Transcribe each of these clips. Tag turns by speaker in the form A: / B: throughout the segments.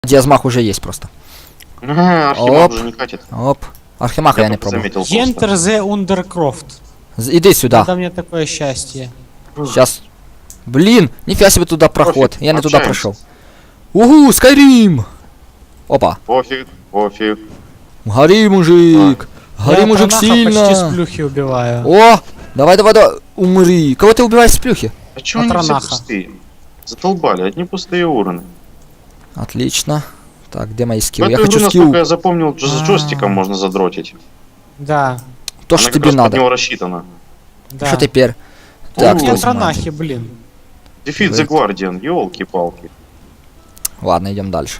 A: Диазмах уже есть просто.
B: Ага, Архимаг уже не катит.
A: Оп. Архимаха я не пробовал.
B: Заметил
C: Enter the Undercroft.
A: Иди сюда.
C: Это мне такое счастье.
A: Сейчас. Блин, нифига себе туда проход.
B: Пофиг,
A: Я не туда
B: общаемся.
A: прошел. Угу, Скайрим! Опа.
B: Пофиг, пофиг.
A: Гори, мужик. Гори,
C: Я
A: мужик,
C: Пронаха почти с
A: сильно.
C: плюхи убиваю.
A: О, давай, давай, давай. Умри. Кого ты убиваешь с плюхи?
B: А чё они все
C: Патронаха.
B: пустые? Задолбали, одни пустые уроны.
A: Отлично. Так, где мои
B: В
A: скиллы?
B: эту
A: Я
B: игру,
A: хочу
B: насколько
A: скилл.
B: я запомнил, с джойстиком можно задротить.
C: Да,
A: То,
B: Она
A: что
B: как
A: тебе
B: раз под
A: надо.
B: него рассчитана.
C: да.
A: Что теперь?
B: О,
A: Так,
B: я
C: Я
A: что снимать?
C: Пронахи, блин.
B: Defeat the Guardian, ёлки-палки.
A: Ладно, идем дальше.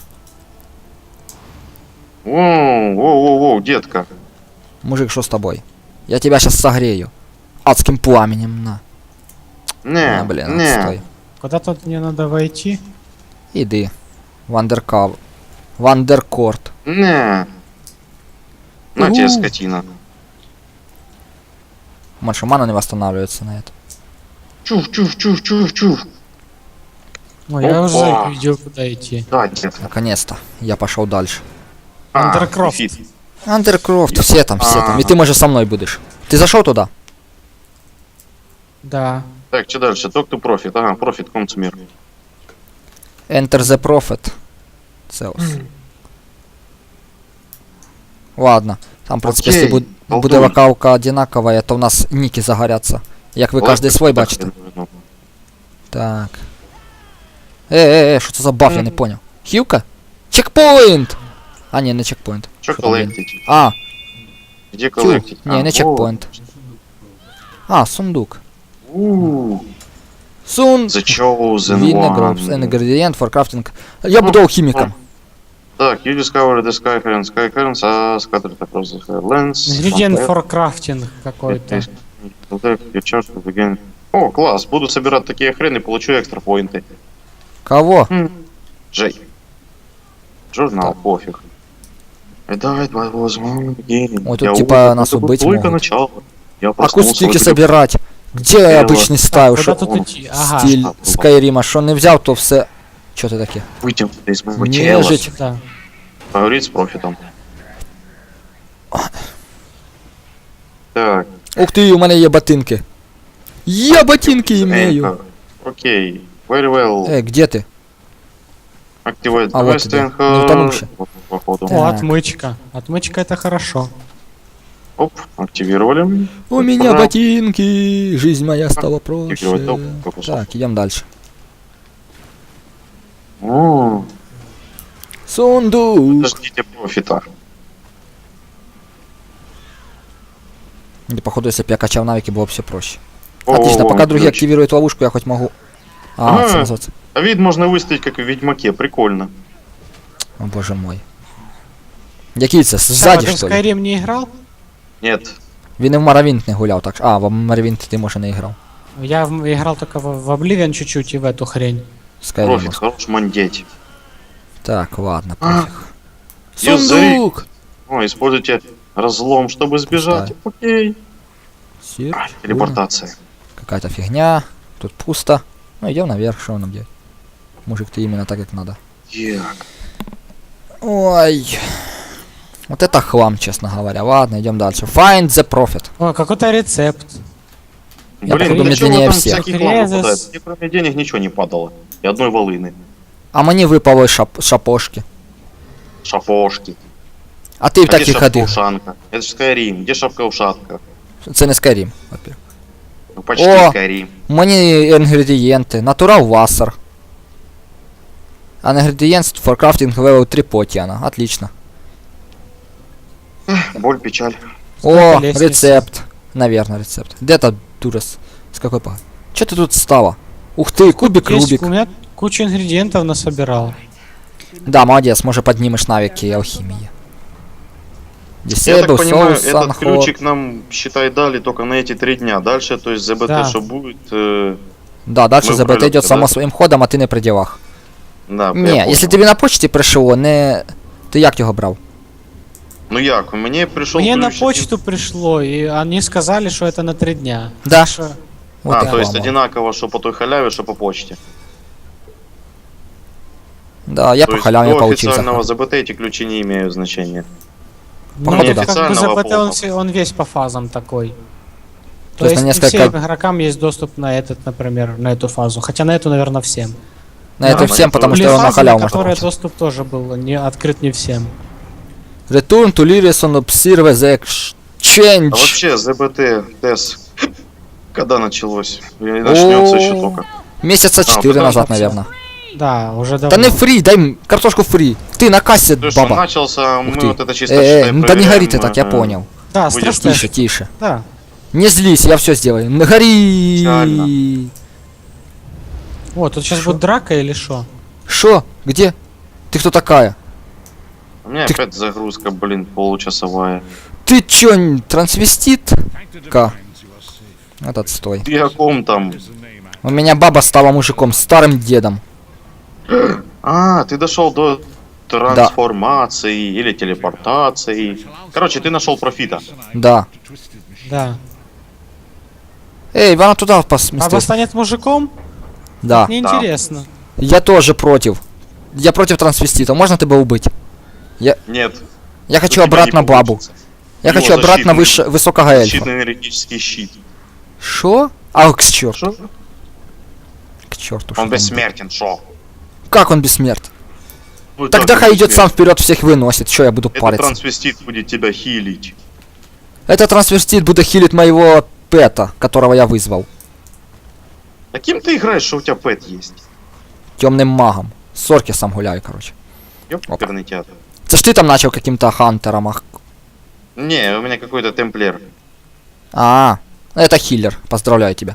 B: Воу, детка.
A: Мужик, что с тобой? Я тебя сейчас согрею. Адским пламенем, на.
B: Не,
A: Блин,
B: не.
A: отстой.
C: Куда тут мне надо войти?
A: Иди. Вандеркав. Вандеркорт.
B: Не. На
A: Угу.
B: тебе, скотина.
A: Больше мана не восстанавливается на это.
B: Чух.
C: Ой, я уже
B: Опа.
C: видел, куда идти.
B: Да, детка.
A: Наконец-то. Я пошел дальше.
C: Undercroft.
B: Defeat.
A: Андеркрофт, все там. И
B: А.
A: ты, может, со мной будешь. Ты зашел туда?
C: Да.
B: Так, что дальше? Talk to Profit. Ага, Profit Consumer.
A: Enter the Prophet. Цеус. Ладно. Там, в принципе,
B: Окей,
A: якщо буде
B: толкуй.
A: локалка одинакова, то в нас ніки загоряться. Як ви кожен свой бачите. Так. Що це за баф, я не понял. Хілка? Чекпоінт! А, ні, не чекпоінт.
B: Что
A: Що там, блін?
B: коллектить?
A: А,
B: Где
A: хіл.
B: коллектить?
A: Ні, не чекпоінт. А, сундук. Сун...
B: The Chosen
A: Винна
B: One.
A: Гробс, ингредиент for crafting. Я буду алхимиком.
B: Так, you discovered the Sky Currents, scattered across the lands.
C: Ингредиент for crafting какой-то.
B: Your charge will begin. О, класс, буду собирать такие хрены, получу экстра поинты.
A: Кого?
B: Джей. Журнал, пофиг. Давай, возьмем beginning.
A: Ой, тут
B: Я
A: типа
B: увидел,
A: нас
B: это
A: убить
B: только
A: могут.
B: начало. Я проснулся,
A: Акустики
B: вот
A: собирать. Где
B: Дело.
A: обычный стайл?
C: Куда
A: Шо?
C: тут идти? Ага.
A: Стиль Скайрима. Що не взяв, то все. Чо ти таке?
B: выйдем из моего тела.
A: Нежить.
C: Да.
B: Поговорить с профитом. Так.
A: Ух ти, у мене є ботинки. Я ботинки имею.
B: Anchor. Окей. Very well.
A: Где ти?
B: Activate
A: А, вот
B: West
A: тебе.
B: Anchor.
A: Не утонувший.
B: Вот, походу.
C: О,
A: Так.
C: отмычка. Отмычка это хорошо.
B: Оп, активировали.
A: У меня
B: Ура.
A: ботинки. Жизнь моя стала проще.
B: Активировать топ, корпусов.
A: Так, идем дальше.
B: О,
A: Сундук.
B: подождите профита.
A: И, походу, если бы я качал навыки, было бы все проще.
B: О,
A: Отлично, пока другие
B: ключ.
A: активируют ловушку, я хоть могу... А,
B: Ага.
A: это называется...
B: А вид можно выставить, как в Ведьмаке, прикольно.
A: О, боже мой. Який це?
C: Саша,
A: Ззаді,
C: ты в
A: що ли?
C: Skyrim не играл?
B: Нет.
A: Він і в Моровінт не гуляв, так що... А, в Моровінт ти, може, не грав.
C: Я играл только в Oblivion чуть-чуть и в эту хрень.
A: Скайрим.
B: Профит, хорош мандеть.
A: Так, ладно, пофиг.
B: Язык.
A: Сундук!
B: О, используйте разлом, чтобы сбежать. Окей.
A: Сир.
B: Телепортация.
A: Какая-то фигня. Тут пусто. Ну, идем наверх, что нам делать? Мужик, ты именно так, как надо.
B: Так.
A: Ой. Вот это хлам, честно говоря. Ладно, идем дальше. Find the profit.
C: О, какой-то рецепт.
A: Я,
B: Блин,
A: походу,
B: для чего
A: медленнее
B: там
A: всех.
B: всякий хлам
C: Резус.
B: выпадает? Мне кроме денег ничего не падало. И одной волыны.
A: А мені випало шапошки.
B: Шапошки.
A: А ти в
B: А где
A: таких ходив.
B: шапка-ушанка? Это же Skyrim. Где шапка-ушанка?
A: Це не Skyrim, во-первых.
B: Ну, почти
A: О!
B: Skyrim.
A: Мені інгредієнти. Natural Wasser. Ingredients for crafting level 3 потіана. Отлично.
B: Боль, печаль.
A: О,
C: лестниц.
A: рецепт. Наверное, рецепт. Где то дурас? С какой погоды? Че ты тут стала? Ух ты, кубик
C: Есть,
A: Рубик.
C: у меня кучу ингредиентов насобирал.
A: Да, молодец, может поднимешь навыки алхимии.
B: Я
A: Disable,
B: так понимаю,
A: Soul,
B: этот
A: Sunhawk.
B: ключик нам, считай, дали только на эти 3 дня. Дальше, то есть ЗБТ,
C: Да.
B: что будет...
A: Да, дальше
B: Мы
A: ЗБТ
B: выбрали,
A: идет
B: да?
A: само своим ходом, а ти не при ділах.
B: Да,
A: Не,
B: я
A: якщо
B: понял.
A: тобі на почті прийшло, не... Ти як його брав?
B: Ну як, мне пришел
C: Мне на
B: ключик.
C: почту пришло, и они сказали, что это на 3 дня.
A: Да.
C: Так что
A: Вот
B: А,
A: і
B: то есть
A: хлама.
B: одинаково, что по той халяве, что по почте.
A: Да, я
B: То
A: по
B: есть
A: халяве
B: до
A: получил
B: официального
A: захват.
B: ЗБТ эти ключи не имеют значения.
C: Ну,
A: Походу,
C: как
A: да.
C: бы
B: Неофициального
C: ЗПТ, он,
B: полного.
C: он весь по фазам такой.
A: То есть на
C: не
A: несколько-
C: всем игрокам есть доступ на этот, например, на эту фазу. Хотя на эту, наверное, всем.
A: На это
B: Да,
A: всем,
B: на
A: потому
B: это
A: что его на
C: фазы,
A: халяву
C: на
A: можно
C: которые
A: получить.
C: доступ тоже был не открыт не всем.
A: Return to Lyrison Observe the
B: А
A: Exchange.
B: вообще, ЗБТ, ТЭС, когда началось? И начнется еще
A: О,
B: только.
A: Месяца 4
B: потому
A: назад,
C: что-
A: наверное.
C: Да, уже
A: Да
C: давно.
A: не фри, дай картошку фри. Ты на кассе,
B: То, что
A: баба.
B: начался,
A: Ух
B: мы
A: ты.
B: вот это чисто считаем,
A: Ну да не
B: проверяем,
A: гори ты так, я понял.
C: Да,
B: Будешь
C: стресс
A: Тише, тише.
C: Да.
A: Не злись, я все сделаю. Не гори.
B: Реально.
C: О, тут сейчас
A: Шо?
C: будет драка или что?
A: Шо? Где? Ты кто такая?
B: У меня
A: Ты-
B: опять загрузка, блин, получасовая.
A: Ты чё, трансвестит? Ка. Этот стой.
B: Ты о ком там?
A: У меня баба стала мужиком, старым дедом.
B: А, ты дошел до трансформации или телепортации. Короче, ты нашел профита.
A: Да.
C: Да.
A: Эй, вон туда
C: Баба
A: посмотри.
C: станет мужиком?
A: Да.
C: Мне
B: Да.
C: интересно.
A: Я тоже против. Я против трансвестита. Можно тебя убить?
B: Нет.
A: Я хочу
B: у тебя
A: обратно
B: не
A: бабу.
B: получится.
A: Я
B: У него
A: хочу обратно
B: защитный-
A: высокого эльфа.
B: Защитный энергетический щит.
A: Шо? А, к черту.
B: Что?
A: К черту.
B: Он
A: что там
B: бессмертен, шо?
A: было? Как он бессмертен?
B: Ну,
A: Тогда
B: так,
A: хай идет сам
B: бессмертен.
A: вперед, всех выносит. Что я буду
B: Этот
A: париться?
B: трансвестит будет тебя хилить.
A: Этот трансвестит будет хилить моего пэта, которого я вызвал.
B: А кем ты играешь, что у тебя пэт есть?
A: Темным магом. С Оркисом гуляю, короче.
B: Ёперный театр.
A: Це ж ти там начал каким-то хантером.
B: Не, у меня какой-то темплер.
A: А, это хиллер. Поздравляю тебя.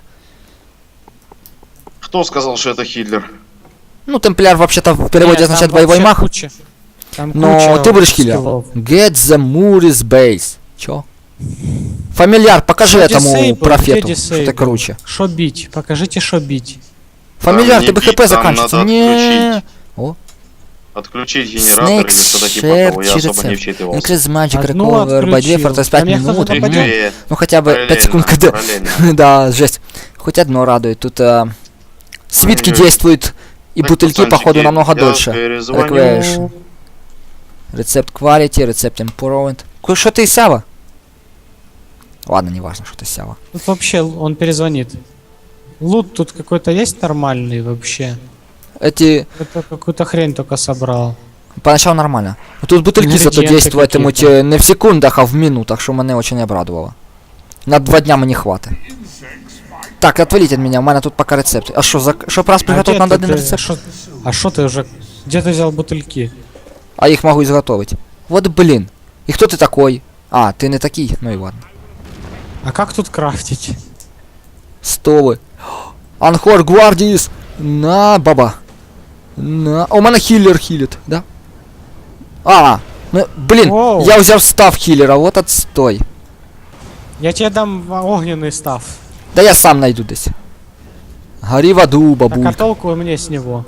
B: Кто сказал, что это хиллер?
A: Ну, темпляр вообще-то в переводе
C: Нет,
A: означает
C: там
A: боевой
C: вообще
A: маг.
C: куча- там
A: Но
C: куча
A: ты будешь хиллер.
C: скиллов.
A: Get the Mooris base. Чё? Фамильяр, покажи
C: Что
A: этому
C: disable?
A: профету,
C: Где
A: что ты
C: disable?
A: круче.
C: Шо бить? Покажите, шо бить.
A: Фамильяр,
B: не
A: ты бы
B: бить,
A: хп
B: там
A: заканчивается.
B: надо
A: Не.
B: отключить.
A: О.
B: Отключить генератор
A: Snake
B: или что-то типа того, я
A: Share
B: особо не
A: рецепт.
B: вчитывался.
A: Increase magic
C: Одну
A: recover by 2 for
C: отключил.
A: 5
C: Там я
A: минут.
C: кто-то
B: Ты
C: нападёт?
B: где?
A: Ну хотя бы 5 секунд,
B: Параллельно,
A: когда...
B: параллельно.
A: Да, жесть. Хоть одно радует. Тут свитки
B: Ой-ой.
A: действуют, и
B: Так,
A: бутыльки,
B: пацанчики,
A: походу, намного
B: я
A: дольше.
B: перезвоню.
A: Request. Рецепт quality, рецепт improvement. Что ты, Сява? Ладно, не важно, что ты Сява.
C: Тут вообще он перезвонит. Лут тут какой-то есть нормальный вообще?
A: Эти...
C: Это какую-то хрень только собрал.
A: Поначалу нормально. Но тут бутыльки зато
C: Ингредиенты
A: действуют
C: какие-то.
A: не в секундах, а в минутах, что мене очень обрадовало. На 2 дня мені хватит. Так, отвалите от меня, у мене тут пока рецепт. А что, чтоб раз приготовить, надо один рецепт?
C: А шо ты уже... Где ты взял бутыльки?
A: А их могу изготовить. Вот блин. И кто ты такой? А, ты не такий? Ну и ладно.
C: А как тут крафтить?
A: Стовы. Анхор Гвардиис. На, баба. На. У мене хиллер хилит, да? А, ну, блин,
C: Воу.
A: я взял став хиллера, вот отстой.
C: Я тебе дам огненный став.
A: Да я сам найду десь. Гори в аду,
C: Так а
A: бабулька.
C: толку мне с него?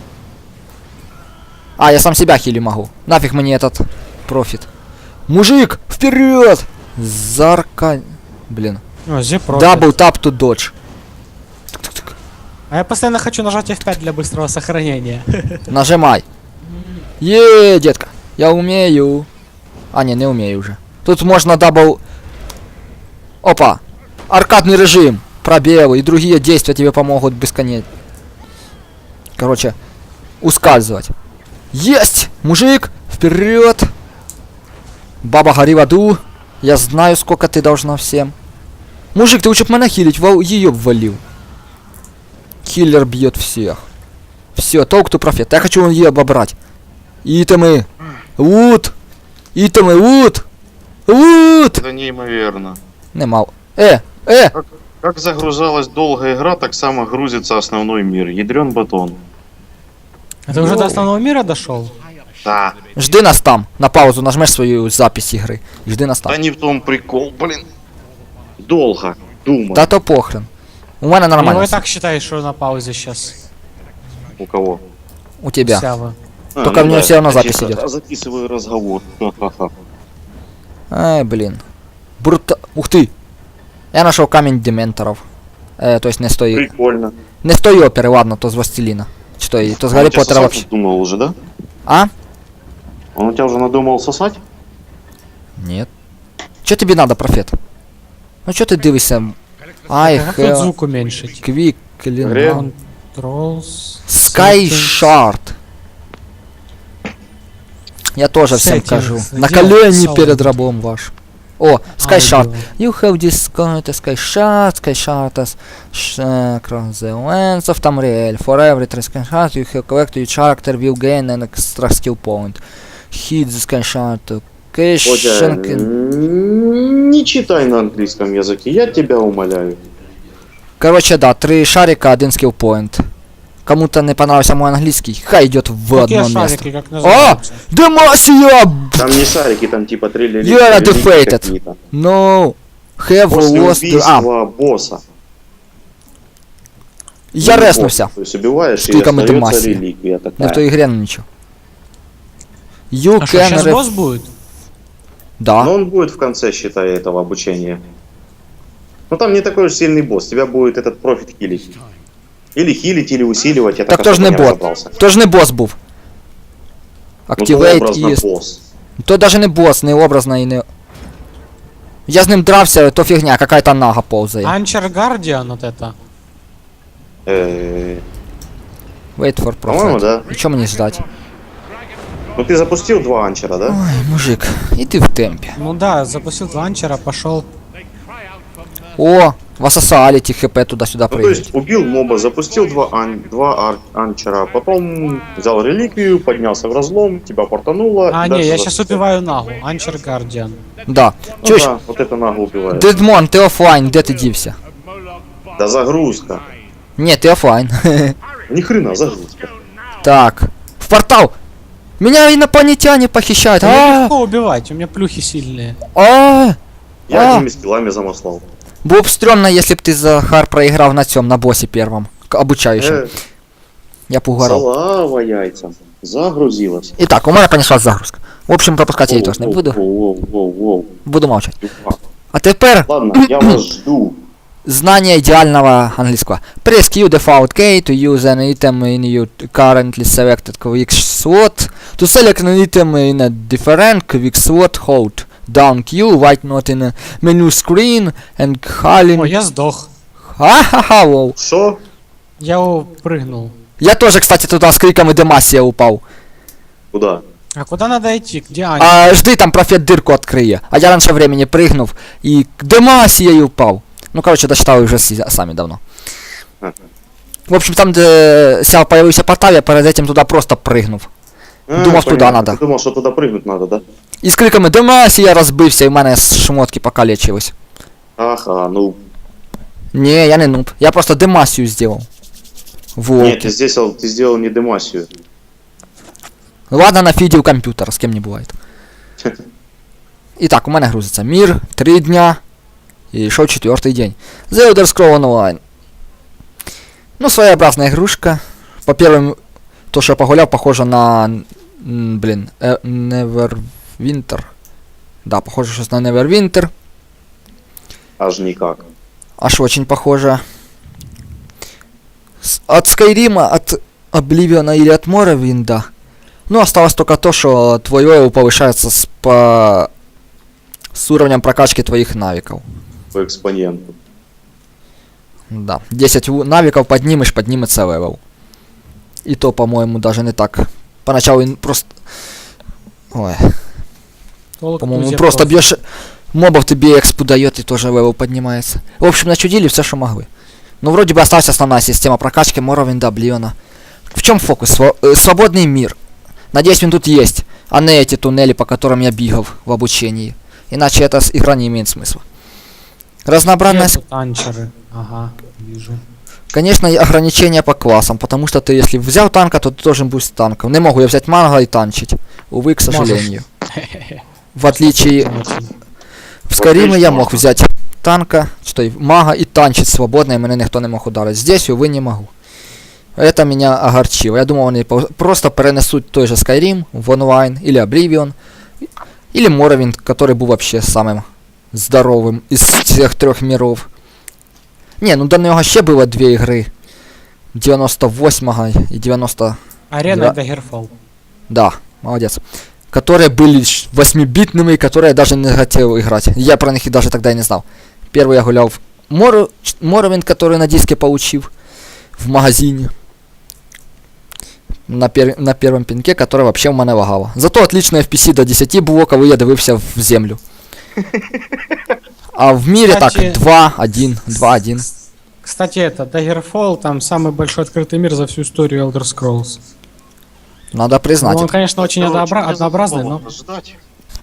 A: А, я сам себя хили могу. Нафиг мне этот профит. Мужик, вперед! Зарка... Блин.
C: О, зипрофит.
A: Дабл тап to dodge.
C: А я постоянно хочу нажать F5 для быстрого сохранения.
A: Нажимай. Детка. Я умею. А, не умею уже. Тут можно дабл... Опа. Аркадный режим. Пробелы и другие действия тебе помогут бесконечно. Короче, ускальзывать. Есть! Мужик, вперед! Баба, гори в аду. Я знаю, сколько ты должна всем. Мужик, ты лучше б меня хилить, ее ввалил. Киллер бьет всех. Все, толк то профет. Я хочу ее обобрать. Итемы. Вуд. Итемы, вуд. Вуд.
B: Это неимоверно.
A: Нема.
B: Как загружалась долгая игра, так само грузится основной мир. Ядрен батон.
C: А ты уже до основного мира дошел?
B: Да.
A: Жди нас там. На паузу нажмешь свою запись игры. И жди нас
B: Да
A: там.
B: не в том прикол, блин. Долго. Думай.
A: Да то похрен. У меня
C: Его
A: нормально.
C: и так считаешь, что на паузе сейчас.
B: У кого?
A: У тебя.
C: Сява.
A: Только у него всё равно запись
B: тихо.
A: идет.
B: А записываю разговор. Ха-ха-ха.
A: Ай, блин. Ух ты. Я нашел камень дементоров. То есть не с той...
B: Прикольно.
A: Не с той оперы, ладно, то с Властелина. Что, и то с
B: Он
A: Гарри
B: у тебя
A: Поттера
B: сосать
A: вообще...
B: надумал уже, да?
A: А?
B: Он у тебя уже надумал сосать?
A: Нет. Чё тебе надо, профет? Ну чё ты дивишься? Ай,
C: Как тут звук уменьшить?
A: Квик,
B: Гре-
C: Controls.
A: Sky
C: settings.
A: Shard. Я тоже всем
C: Settings.
A: кажу.
C: Где
A: На колени
C: он?
A: перед рабом ваш. О, Sky Shard.
C: Аудио.
A: You have discovered a Sky Shard as across the lands of Tamriel. For every 3 Sky Shard you have collected, your character will gain an extra skill point. Hit the Sky Shard to cash
B: Бодя,
A: and-
B: не читай на английском языке, я тебя умоляю.
A: Короче, да, 3 шарика, 1 скилл point. Кому-то не понравился мой английский, хай идет в
C: Какие
A: одно место.
C: шарики, как называются?
A: Демасия!
B: Там не шарики, там типа 3
A: You are defeated. No. Have
B: После
A: lost...
B: убийства босса.
A: Я
B: Ну,
A: резнувся.
B: босса, То есть убиваешь и
A: Штыком и
B: остается
A: Демасия.
B: реликвия
A: Не в
B: такая.
A: той игре, ну ничего. You
C: А что,
A: can...
C: сейчас босс будет?
A: Да.
B: Но он будет в конце, считай, этого обучения. Ну там не такой уж сильный босс, тебя будет этот профит хилить. Или хилить, или усиливать, я
A: Так
B: так
A: то ж не
B: особо
A: бот.
B: разобрался.
A: То ж не босс був.
B: Ну, то
A: Activate
B: образно
A: і...
B: босс.
A: То даже не босс, не образно і не... Я з ним дрався, то фігня, какая-то нага повзає.
C: Анчер Guardian вот это.
A: Wait for
B: По-моему,
A: profit.
B: да.
A: І чого мені ждать?
B: Ну ты запустил 2 анчера, да?
A: Ой, мужик, іди в темпі.
C: Ну да, запустил два анчера, пошел.
A: О, васосали ті хп туди-сюди
B: Ну, то
A: прыгають.
B: есть убил моба, запустил 2 анчера, потом взял реликвию, поднялся в разлом, тебя портануло.
C: А,
B: и
C: не,
B: дальше
C: я сейчас
B: запустил.
C: убиваю Нагу. Анчер Guardian.
A: Да.
B: Ну
A: Чуєш,
B: да, вот это нагло убивает.
A: Дедмон, ти офлайн, де ти дівся?
B: Да загрузка.
A: Ні, ти офлайн.
B: Ни хрена загрузка.
A: Так. В портал! Меня инопланетяне похищают.
C: Меня
A: А,
C: легко убивать, у меня плюхи сильные.
A: а.
B: Я
A: А.
B: одними скиллами замаслал.
A: Было бы стрёмно, если бы ты, Захар, проиграл на цьом, на боссе первом. Обучающем. Я б угорал.
B: Слава яйцам. Загрузилась.
A: Итак, у меня понеслась загрузка. В общем, пропускать я ее тоже не буду.
B: Воу.
A: Буду молчать. А теперь
B: Ладно, я вас жду.
A: знание идеального английского. Press Q default key to use an item in your currently selected quick slot. To select an item in a different quick slot, hold down Q, white not in a menu screen, and calling...
C: О, я сдох.
A: Ха-ха-ха, лол.
B: Шо?
C: Я прыгнул.
A: Я тоже, кстати, туда с криком и Демасия упал.
B: Куда?
C: А куда надо идти? Где Аня?
A: А жди, там профет дырку открые. А я раньше времени прыгнув и к Демасии упал. Ну, короче, дочитал уже сами давно. В общем, там, где сял появился портал, я перед этим туда просто прыгнув. Думав, туда
B: понятно.
A: надо.
B: Ты думал, что туда прыгнуть надо, да?
A: І з криками Демасія розбився, і в мене шмотки покалечились.
B: Ага, ну.
A: Не, я не нуб. Я просто Демасію зробив.
B: Нет,
A: Волки.
B: ты сделал не Демасию.
A: Ладно, нафідів комп'ютер, з ким не буває. І так, у мене грузиться мір, 3 дня. І йшов 4-й день. The Elder Scrolls Online. Ну, своеобразная игрушка. По первым, то, что я погулял, похоже на... Блин, Neverwinter. Да, похоже сейчас на Neverwinter.
B: Аж никак.
A: Аж очень похоже. От Скайрима, от Обливиона или от Моровинда. Ну, осталось только то, что твой левел повышается с уровнем прокачки твоих навиков.
B: По экспоненту.
A: Да. 10 навиков поднимешь, поднимется левел. И то, по-моему, даже не так. Поначалу просто... Ой.
C: Толк
A: По-моему,
C: друзья,
A: просто бьешь мобов, тебе экспу дает и тоже левел поднимается. В общем, начудили все, что могли. Ну, вроде бы осталась основная система прокачки Моровинда, Обливиона. В чем фокус? Свободный мир. Надеюсь, он тут есть, а не эти туннели, по которым я бегал в обучении. Иначе эта игра не имеет смысла. Разнообразная...
C: Где тут анчеры? Ага, вижу.
A: Конечно, и ограничения по классам, потому что ты, если взял танка, то ты должен быть с танком. Не могу я взять манга и танчить. Увы, к сожалению. В отличие... В Скайриме я мог взять танка, что мага и танчить свободно, и меня никто не мог ударить. Здесь, увы, не могу. Это меня огорчило. Я думал, они просто перенесут той же Skyrim в онлайн, или Oblivion, или Morrowind, который был вообще самым здоровым из всех 3 миров. Не, ну до него ще было 2 игры. 98-го и 90...
C: Арена
A: Да.
C: и Daggerfall.
A: Да, молодец. Которые были 8-битными, которые я даже не хотел играть. Я про них и даже тогда и не знал. Первый я гулял в Morrowind, который на диске получил в магазине. На первом пінке, который вообще в мене лагало. Зато отличное FPC до 10 було, коли я дивився в землю. А в мире
C: Кстати,
A: так 2-1, 2-1.
C: Кстати, это, Daggerfall, там самый большой открытый мир за всю историю Elder Scrolls.
A: Надо
C: Ну,
A: признать.
C: он,
A: это.
C: конечно, очень однообразный, но...
B: Ждать.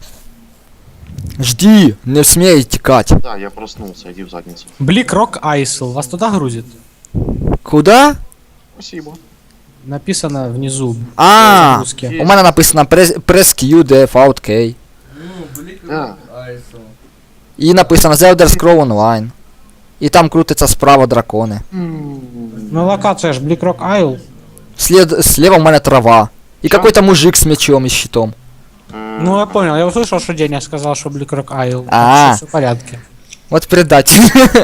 A: Жди, не смей текать.
B: Да, я проснулся, иди в задницу.
C: Блик Рок Айсл. Вас туда грузит?
A: Куда?
B: Спасибо.
C: Написано внизу.
A: А,
C: Русский.
A: у мене написано press Q, def, out, K.
B: Да.
A: І написано The Elder Scroll Online. І там крутиться справа дракони.
C: Ну, локация ж Блик Рок Айл.
A: Слева у мене трава. И
B: Чё?
A: какой-то мужик с мечом и щитом.
C: Ну, я понял, я услышал, что Деня сказал, что Блик Рок Айл.
A: А.
C: Все в порядке.
A: Вот предатель.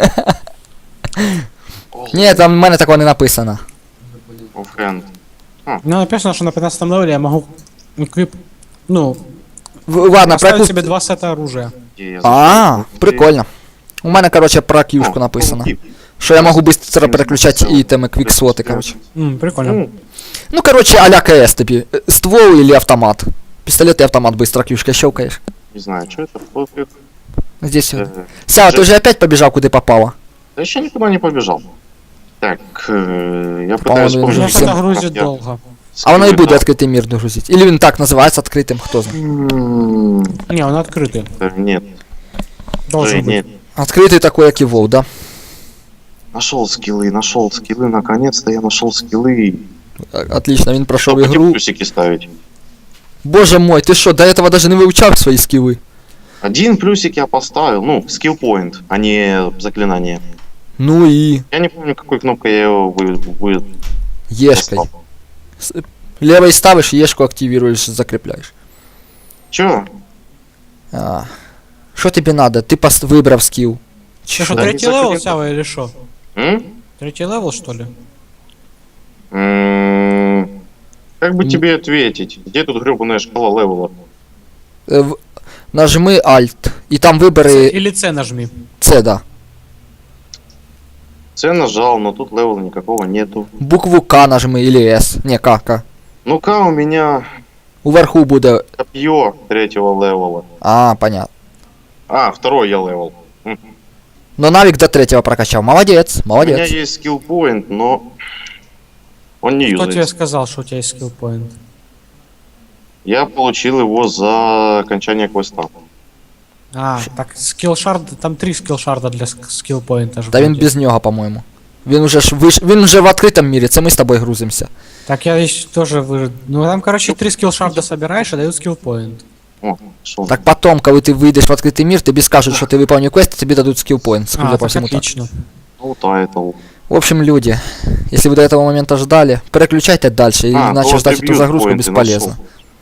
A: Ні, там в мене такого не написано.
B: Оффхенд.
C: Ну, написано, что на 15 левеле я могу эквип... Ну,
A: Ладно, про
C: поставить
A: яку...
C: себе 2 сета оружия.
A: А, прикольно. У мене, короче, про кьюшку написано. Що я можу быстро переключати ітеми, квікслоти, короче.
C: Прикольно.
A: Ну, короче, а-ля КС тобі. Ствол или автомат. Пистолет и автомат быстро кьюшкой щелкаешь.
B: Не знаю, что это. Пофиг.
A: Здесь вот.
B: Э,
A: Сява, ты же опять побежал, куда попало?
B: Да еще никуда не побежал. Так, я
A: По-моему,
B: пытаюсь
A: уже
C: Меня
B: вспомнить.
A: всё.
C: что-то грузит
B: как я
C: долго.
A: А воно и
B: скидываю,
A: будет
B: да.
A: открытый мир грузить. Или он так называется открытым, кто знает.
C: Не, он открытый.
B: Нет,
C: Должен быть.
B: нет.
A: Открытый такой, как и WoW, да?
B: Нашел скиллы, наконец-то я нашел скиллы.
A: Отлично, він прошел
B: Только
A: игру.
B: плюсики ставить.
A: Боже мой, ты что, до этого даже не выучал свои скиллы?
B: Один плюсик я поставил, ну, скилл point, а не заклинание.
A: Ну и
B: Я не помню, какой кнопкой я его
A: ешкой. Левой ставишь, ешку активируешь, закрепляешь.
B: Чё?
A: Что тебе надо? Ты выбрав скилл.
C: Ты что,
B: Да,
C: третий
B: не
C: левел,
B: закрыто.
C: Сява, или что?
B: М?
C: Третий левел, что ли?
B: Как бы тебе ответить? Где тут гребаная шкала левела?
A: Нажми Alt, и там выборы
C: Или С нажми.
A: C, да.
B: С нажал, но тут левела никакого нету.
A: Букву К нажми или S. Не, К.
B: Ну-ка, у меня
A: Уверху буде...
B: копье третьего левела.
A: А, понятно.
B: А, второй я левел.
A: Но навик до третьего прокачал. Молодец,
B: У меня
A: молодец.
B: есть скилл point, но он не
C: Кто тебе
B: юзается.
C: сказал, что у тебя есть скилл point?
B: Я получил его за окончание квеста.
C: А, так скилл шард, там 3 скилл шарда для скилл поинта.
A: Та він без нього, по-моєму. Він уже ж він вже в відкритому мірі, це ми з тобою грузимося.
C: Так я еще тоже вы. Ну там, короче, 3 скилл шарда собираешь и дают скилл поинт.
B: О, шо.
A: Так потом, коли ти вийдеш в відкритий мір, тобі скажуть, що ти виповнив квест, тобі дадуть скіл поінт. Судя
C: А,
A: по
C: так
A: всему так.
C: отлично.
B: Ну, тайтл.
A: В общем, люди, если вы до этого момента ждали, переключайте дальше, иначе
B: вот
A: ждать эту
B: ревью
A: загрузку
B: поинты
A: бесполезно.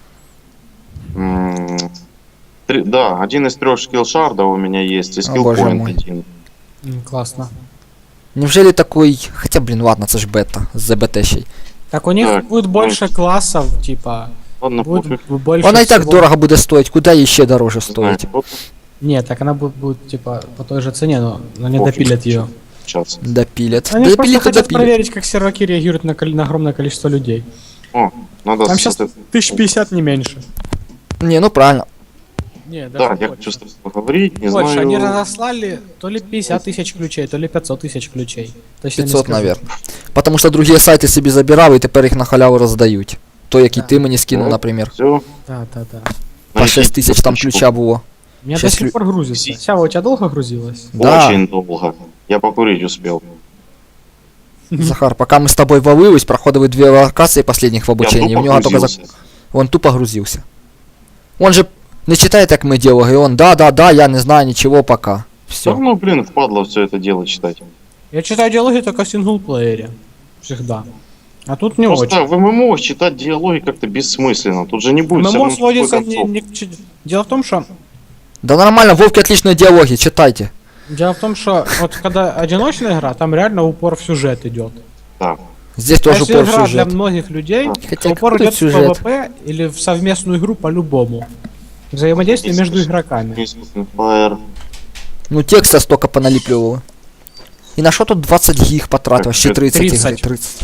B: нашел. Да, один из 3 скилл шардов у меня есть, и скилл
A: боже
B: point
A: мой.
B: один.
C: Классно.
A: Неужели такой... Хотя, блин, ладно, це ж бета, з ЗБТ-щей.
C: Так у них
B: Так,
C: будет больше классов, типа.
B: Ладно, пофиг.
C: Будет больше.
A: Вона і так
C: всего.
A: дорого буде стоїть, куди їй ще дороже
B: Не знаю,
A: стоїть?
B: вот
C: Нет, так она будет типа по той же цене, но не
B: Пофиг.
C: допилят ее.
B: сейчас.
A: Допілять.
C: Они просто
A: Допілять, то
C: хотят
A: допілять.
C: проверить, как серваки реагируют на огромное количество людей.
B: О, надо...
C: Там сейчас 1050 не меньше.
A: Не, ну правильно.
C: Не,
B: Да,
C: даже
B: я
C: больше.
B: хочу с тобой поговорить, не
C: Больше,
B: знаю...
C: они разослали то ли 50 тысяч ключей, то ли 500 тысяч ключей. Точно не
A: 500,
C: скажу.
A: наверное. Потому що другі сайти собі забирали і тепер їх на халяву роздають. То, який
C: Да.
A: ти мені скинув,
B: Ну,
A: наприклад.
B: Все.
C: Да.
A: По 6 тисяч там ключа було.
C: У меня до
A: Щас
C: сих пор грузится. Сява, у тебя долго грузилось?
A: Да.
B: Очень долго. Я покурить успел.
A: Захар, пока мы с тобой валились, проходили 2 локации последних в обучении,
B: Я
A: у него только
B: грузился.
A: он тупо грузился. Он же не читает, как мы делали, он да, я не знаю ничего пока. Все.
B: Все равно, блин, впадло все это дело читать.
C: Я читаю диалоги только в синглплеере. Всегда. А тут не
B: Просто
C: очень.
B: в ММО читать диалоги как-то бессмысленно. Тут же не будет всё
C: ММО
B: равно
C: сводится
B: никакой концовки.
C: Дело в том, что
A: Да нормально, Вовки отличные диалоги, вот когда одиночная игра, там реально упор в сюжет идет.
B: Да.
A: Здесь тоже
C: Если
A: упор
C: игра
A: сюжет.
C: для многих людей,
A: Хотя
C: то упор
A: какой
C: идет в
A: сюжет?
C: PvP или в совместную игру по-любому. Взаимодействие между игроками.
B: Fire.
A: Ну текста столько поналепливало. И на что тут 20 гиг потратил? Вообще 30 игры.
C: 30.
A: 30.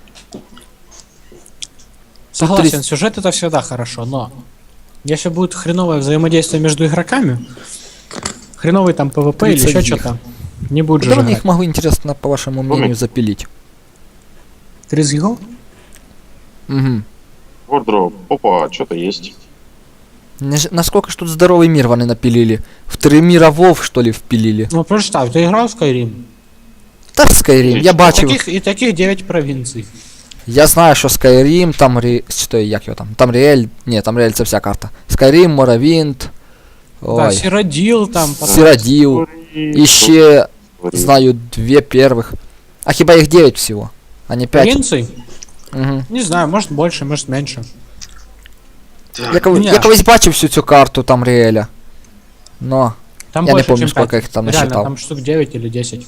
C: Согласен,
A: 30.
C: сюжет это всегда хорошо, но если будет хреновое взаимодействие между игроками, хреновый там PvP или
A: 30
C: еще
A: гиг.
C: что-то, не будет же
A: Куда они
C: играть.
A: их могу, интересно, по вашему мнению, запилить?
C: 30 гигов?
A: Угу.
B: Wardrobe. Опа, что-то есть.
A: Насколько ж тут здоровый мир вони напилили? В 3 мира Вов, что ли, впилили?
C: Ну представь, ты играл в Skyrim?
A: Та Skyrim, я
C: И
A: бачив.
C: таких 9 провинций.
A: Я знаю, що Skyrim, там Що, як його там? Там Ріель. Ні, там Ріель це вся карта. Skyrim, Моровінд.
C: Да,
A: Ой.
C: Сиродил там.
A: Сироділ. І ще, знаю, 2 первых. А хіба їх 9 всего? А не 5?
C: Провинций?
A: Угу.
C: Не знаю, может больше, может меньше.
A: Я колись бачив всю цю карту там Ріеля. Но
C: Там
A: я не
C: больше,
A: помню,
C: чем
A: сколько
C: 5.
A: их там
C: Реально,
A: насчитал.
C: там штук 9 или 10.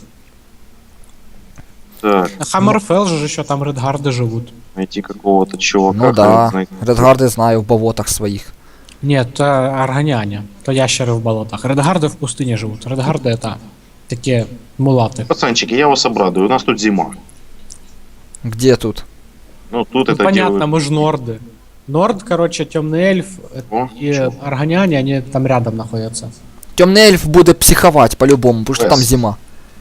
B: Так,
C: На Хаммерфелл же еще там Редгарды живут.
B: найти какого-то чувака.
A: Ну да,
B: хрен знает.
A: Редгарди знаю в болотах своїх.
C: Нет, то аргоняне, то ящеры в болотах. Редгарды в пустыне живут. Редгарды это такие мулаты.
B: Пацанчики, я вас обрадую, у нас тут зима.
A: Где тут?
B: Ну тут
C: Ну,
B: это
C: понятно,
B: делают.
C: мы же норды. Норд, короче, темный эльф
B: О,
C: и
B: чё?
C: аргоняне, они там рядом находятся.
A: Темний ельф буде психовать по-любому, потому что там
B: Пес.
A: зима.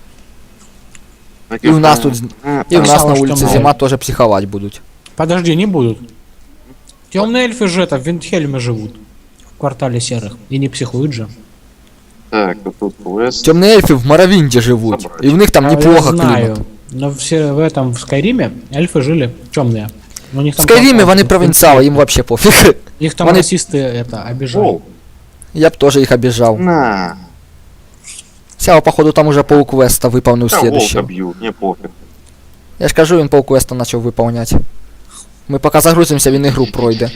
B: Так
A: И у нас тут, и у нас
C: Сказала,
A: на
C: что
A: улице
C: темный
A: зима
C: эльф.
A: тоже психовать будут.
C: Подожди, не будут. Темные эльфы же это в Виндхельме живут. В квартале серых. И не психуют же.
B: Так, тут квест.
A: Темные эльфы в Моровинде живут,
B: Собрать.
A: и у них там
C: А,
A: неплохо
C: я знаю.
A: климат.
C: Но все в этом, в Скайриме, эльфы жили темные. У них
A: В
C: там
A: Скайриме
C: квартал,
A: вони
C: в
A: провинциалы,
C: Виндхельме.
A: им вообще пофиг.
C: Их там
A: Вони-
C: расисты это обижают.
B: О,
A: Я б тоже их обижал.
B: на.
A: Сяо, походу, там уже полквеста выполнил
B: Да, волка
A: следующего.
B: бьют, не пофиг.
A: Я ж кажу, він полквеста начал выполнять. Ми поки загрузимося, він ігру пройде.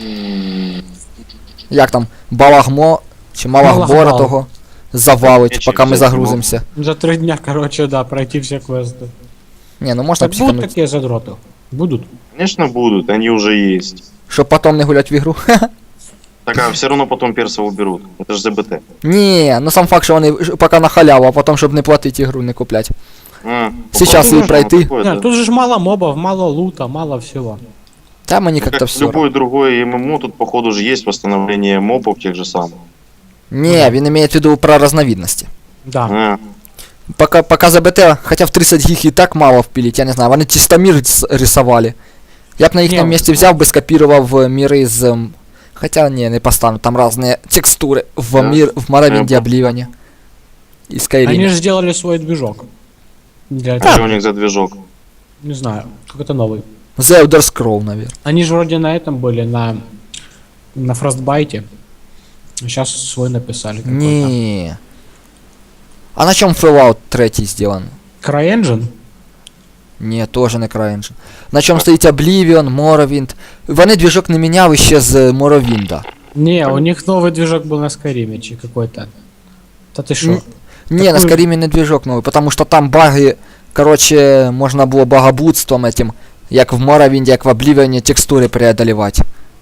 A: Як там, Балагмо, чи Малагбора
C: Малагбал.
A: того завалить,
B: Я
A: поки ми
B: через
A: загрузимся.
C: За 3 дня, короче, да, пройти все квесты.
A: Не, ну можна
C: Так будут
A: психануть,
C: такие задроты? Будут.
B: Конечно будут, они уже есть.
A: щоб потом не гулять в ігру.
B: Так, а все равно потом перса уберут. Это же ЗБТ.
A: Ні, ну сам факт, що вони поки на халяву, а потім, щоб не платити ігру, не куплять.
B: А,
A: Сейчас
B: попробуй
A: и пройти.
B: можно такое,
C: Не,
B: да.
C: тут же ж мало мобов, мало лута, мало всего.
A: Та мені как-то
B: Как
A: все.
B: любое другое ММО, тут походу же есть восстановление мобов тех же самых.
A: Не, він имеет в виду про разновидности.
C: Да.
B: А,
A: Пока ЗБТ, хотя в 30 гиг и так мало впилить, я не знаю, вони чисто мир рисовали. Я б на їхньому
C: Не,
A: місці взяв би, скопірував міри з... Хотя, не, не постану, там разные текстуры в
B: Да.
A: мир, в Моровинде,
B: Я
A: Обливане. И
C: Они
A: Skyrim.
C: же сделали свой движок. Для
B: а
C: этого.
B: что у них за движок?
C: Не знаю, какой-то новый.
A: The Elder Scroll, наверное.
C: Они же вроде на этом были, на Фростбайте. Сейчас свой написали какой-то.
A: Не. А на чем Fallout 3 сделан?
C: CryEngine?
A: Не, тоже не CryEngine. На чем стоїть Oblivion, Morrowind. Вони движок не міняли ще з Morrowind'а.
C: Не, у них новый движок был на Скайриме, чи какой-то. Да ты шо?
A: Не, на
C: Такой-
A: Skyrim не движок новый, потому что там баги, короче, можно было богобудством этим, як в Morrowind, як в Oblivion, текстуры преодолевать.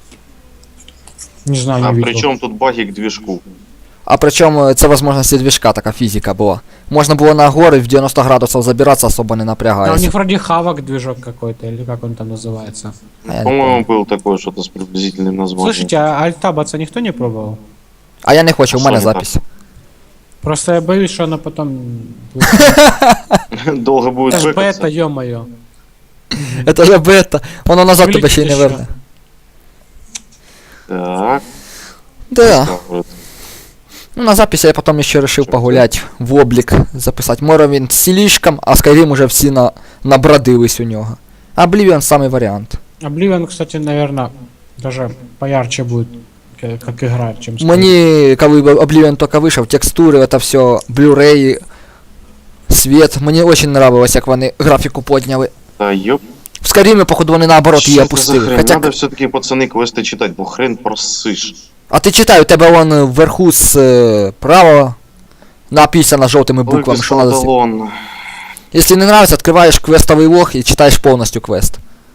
C: Не знаю,
B: А
C: не видел.
B: при чем тут баги к движку?
A: А причем це возможности движка, така физика была. Можно было на горы в 90 градусов забираться, особо не
C: А у
A: напрягаясь.
C: них вроде хавок движок какой-то, или как он там называется.
A: А я не
B: По-моему, был такой что-то с приблизительным названием.
C: Слушайте, а альтабаться никто не пробовал?
A: А я не хочу, у
B: А
A: мене
B: що не
A: запись.
C: Просто я боюсь, что она потом...
B: Долго будет
C: Это ж
B: бэкаться.
C: бета, ё-моё.
A: Это же бета. Воно назад тебе ще й не
C: Вилетить
A: верне.
B: Так.
A: Да.
B: так вот.
A: Ну, на записи я потом еще решил погулять в облик, записать Morrowind слишком, а Skyrim уже всі набродились у нього. Oblivion самый вариант.
C: Oblivion, кстати, наверное, даже поярче будет, как игра, чем Skyrim.
A: Мені, коли Oblivion только вышел, текстуры, это все, Blu-ray, свет, мені очень нравилось, як вони графіку подняли.
B: Да ёп.
A: В Skyrim, походу, вони наоборот
B: Что
A: її
B: это за
A: опустили.
B: хрен?
A: Хотя,
B: Надо все-таки, пацаны, квесты читать, бо хрен просышь.
A: а ти читай, у тебе вон вверху справа написано жовтими
B: Ой,
A: буквами, що надо.
B: Салон.
A: Если не нравится, открываешь квестовый лог и читаешь полностью квест.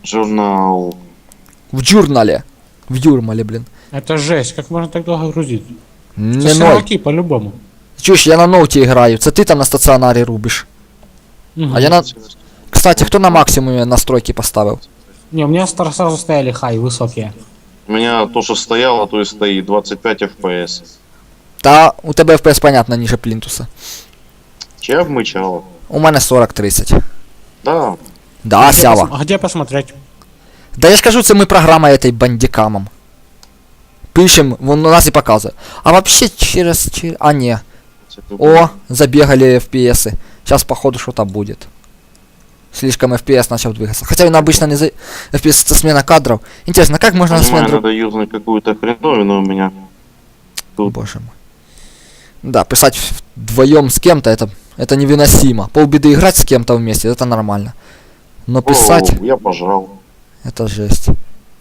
B: Журнал.
A: В журнале. В юрмале, блин.
C: Это жесть, как можно так долго грузить?
A: Не
C: Это
A: ной.
C: серваки по-любому.
A: Чуєш, я на ноуті граю. Це ти там на стаціонарі рубиш.
C: Мгм.
A: А я на... Кстати, хто на максимумі настройки поставив?
C: Не, у меня сразу стояли хай, высокие.
B: У меня то, что стояло, то и стоит. 25 FPS.
A: Та у тебе FPS понятно ніже плінтуса.
B: Че обмычало?
A: У мене 40-30.
B: Да.
A: Да, сява.
C: А где посмотреть?
A: Да я ж кажу, це ми програма этой бандикамом. Пишем, вон у нас и показывает. А вообще через... А, не. О, забегали FPS. Сейчас походу что-то будет. Слишком FPS начал двигаться. Хотя он обычно не за... FPS это смена кадров. Интересно, как можно
B: Понимаю,
A: смену...
B: надо юзнуть какую-то хреновину у меня. Тут.
A: Боже мой. Да, писать вдвоем с кем-то это невыносимо. Полбеды играть с кем-то вместе, это нормально. Но писать,
B: О, я пожал.
A: это жесть.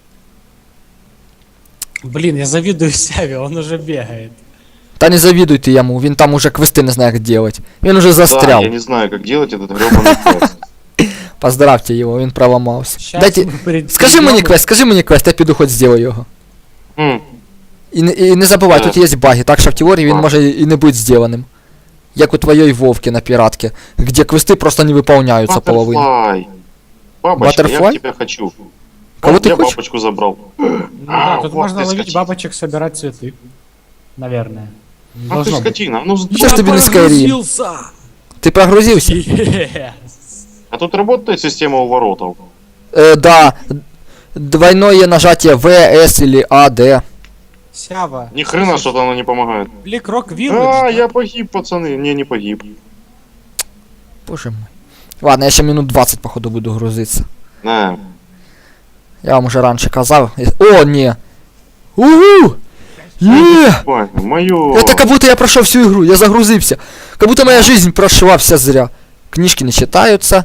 C: Блин, я завидую Сяве, он уже бегает.
A: Та не завидуй ты ему, він там уже квесты не знает как делать. Він уже застрял.
B: Да, я не знаю, как делать этот гребаный квест.
A: Поздравьте его, він проломався.
C: Щас
A: Дайте...
C: мы перед-
A: Скажи мені квест, я піду хоч зроблю його.
B: М,
A: І не забувай, тут є баги, так що в теорії він
B: А.
A: може і не бути зробленим. Як у твоєї Вовки на піратці, где квести просто не выполняются половину.
B: Butterfly. Бабочка, я
A: Butterfly?
B: к тебя хочу.
A: Кого
B: Вот
A: ты
B: я
A: хочешь?
B: бабочку забрал.
C: Ну да, тут
B: Вот
C: можно
B: ты
C: ловить
B: скотина.
C: бабочек, собирать цветы. Наверное.
B: А ты
C: Должно быть.
B: скотина, ну
A: Що ж тобі не Skyrim? Ти прогрузився?
C: Yes.
B: А тут работает система уворотов?
A: Да. Двойное нажатие В, С или А, Д.
C: Сява.
B: Ни хрена что-то оно не помогает.
C: Бликрок
B: А,
C: Village.
B: я погиб, пацаны. Не погиб.
A: Боже мой. Ладно, я ще минут 20 походу буду грузиться.
B: На.
A: Я вам уже раньше казав. О, не. Угу! Е!
B: Мое.
A: Это как будто я прошел всю игру, я загрузился. Как будто моя жизнь прошла вся зря. Книжки не читаются.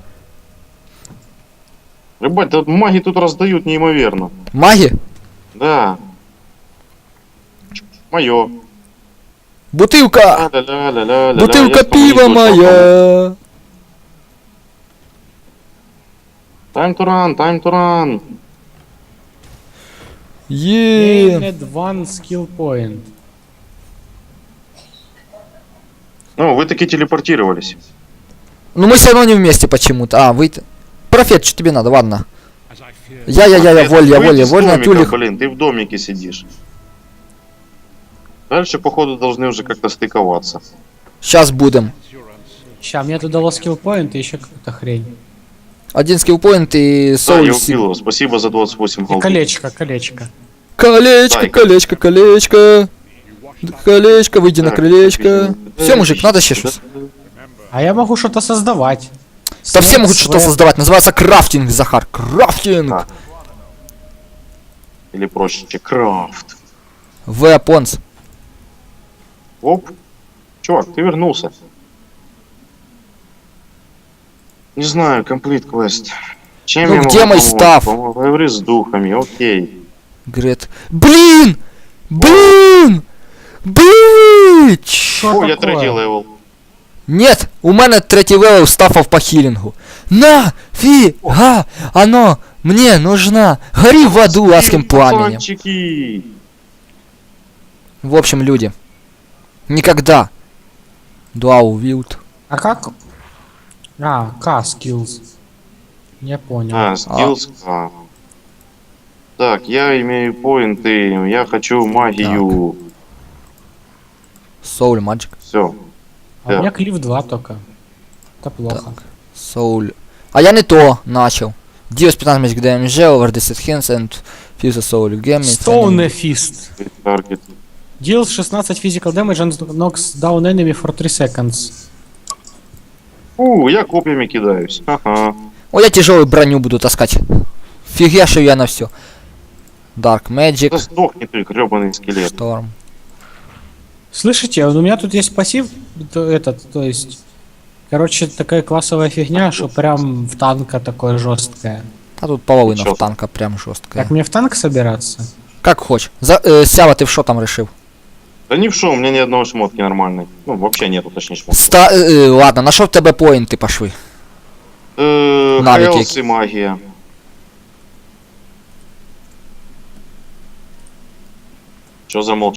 B: Ребят, тут маги тут раздают неимоверно.
A: Маги?
B: Да. Мое.
A: Бутылка! Бутылка пива моя!
B: Time to run, time to run.
A: Е!
C: Gained one skill point.
B: Ну, вы таки телепортировались.
A: Ну мы все равно не вместе почему-то. А, вы... Профет, что тебе надо? Ладно. Я,
B: Выйди из
A: вольно,
B: домика,
A: тюлих.
B: блин, ты в домике сидишь. Дальше, походу, должны уже как-то стыковаться.
A: Сейчас будем.
C: Ща, мне тут дало skill point и еще какую-то хрень.
A: Один скиллпоинт и
B: Да,
A: соул
B: я
A: сил.
B: убил его, спасибо за 28
C: И
B: голды.
C: колечко, колечко.
A: Колечко,
B: Дай.
A: колечко, колечко. Колечко, выйди на
B: Так,
A: крылечко.
B: отлично.
A: Все, мужик, надо еще что-то.
C: А я могу что-то создавать.
A: Да все могут что-то
C: Свет.
A: создавать. Называется крафтинг, Захар. Крафтинг.
B: А. Или проще, крафт.
A: Weapons.
B: Оп. Чувак, ты вернулся. Не знаю, комплит квест. Чем
A: Ну,
B: я
A: где
B: могу
A: мой
B: помочь?
A: став?
B: Поговори с духами, окей.
A: Грет. Блин! Блин! Блин!
C: Что
B: О, я
C: такое?
B: третий левел.
A: Нет, у мене третій левел стафав по хілінгу. Нафіга оно мне нужна. Гори в аду адским пламенем.
B: Пацанчики.
A: В общем, люди. Никогда. Дуал Вилд.
C: А как? А, К skills. Не понял.
B: А, skills. А. Так, я имею поинты, я хочу магию.
A: Soul Magic.
B: Все.
C: А у меня клиф 2 только. Это плохо.
A: Soul. А я не то начал. Deals 15 magic damage, over 10 hands and fuse a soul gem.
C: Stone Fist.
B: Таргет.
C: Deals 16 physical damage and knocks down enemy for 3 seconds.
B: Я копьями кидаюсь. Ага.
A: О, я тяжелую броню буду таскать. Фигня, что я на все. Dark
B: Да
A: Magic.
B: сдохни ты, гребаный скелет.
A: Storm.
C: Слышите, у меня тут есть пассив, то есть, короче, такая классовая фигня, что прям в танка такое жесткое.
A: А тут половина
B: Чё?
A: в танка прям жесткая.
C: Как мне в танк собираться?
A: Как хочешь. Сява, ты в что там решил?
B: Да ни в шо, у меня ни одного шмотки нормальной. Ну, вообще нету, точнее, шмотки.
A: Ладно, нашел в тебе поинты пошли. Навыки.
B: Хайлс и магия. Что замолчал?